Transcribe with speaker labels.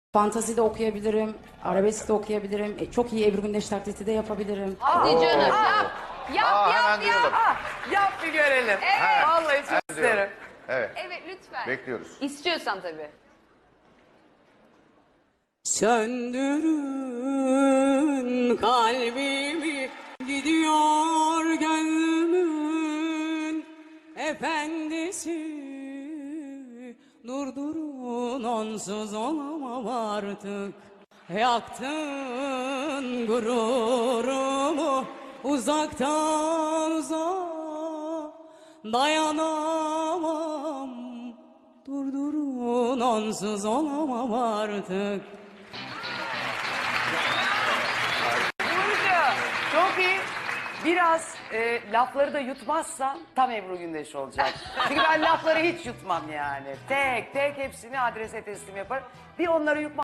Speaker 1: Fantezi de okuyabilirim, arabesk de okuyabilirim, çok iyi Ebru Gündeş taklidi de yapabilirim.
Speaker 2: Hadi canım. Yap. Yap
Speaker 3: hemen
Speaker 2: yap
Speaker 3: duyalım.
Speaker 2: yap.
Speaker 4: Yap bir görelim.
Speaker 2: Evet.
Speaker 4: Vallahi çok isterim.
Speaker 3: Evet,
Speaker 2: Evet lütfen.
Speaker 3: bekliyoruz.
Speaker 2: İstiyorsan tabii.
Speaker 1: Söndürün kalbimi, gidiyor gönlümün efendisi. Durdurun, onsuz olamam artık. Yaktın gururumu uzaktan uzağa, dayanamam. Durdurun, onsuz olamam artık.
Speaker 4: Burcu, çok iyi. Biraz lafları da yutmazsan tam Ebru Gündeş olacak. Çünkü ben lafları hiç yutmam yani. Tek tek hepsini adrese teslim yaparım. Bir onları yutmam.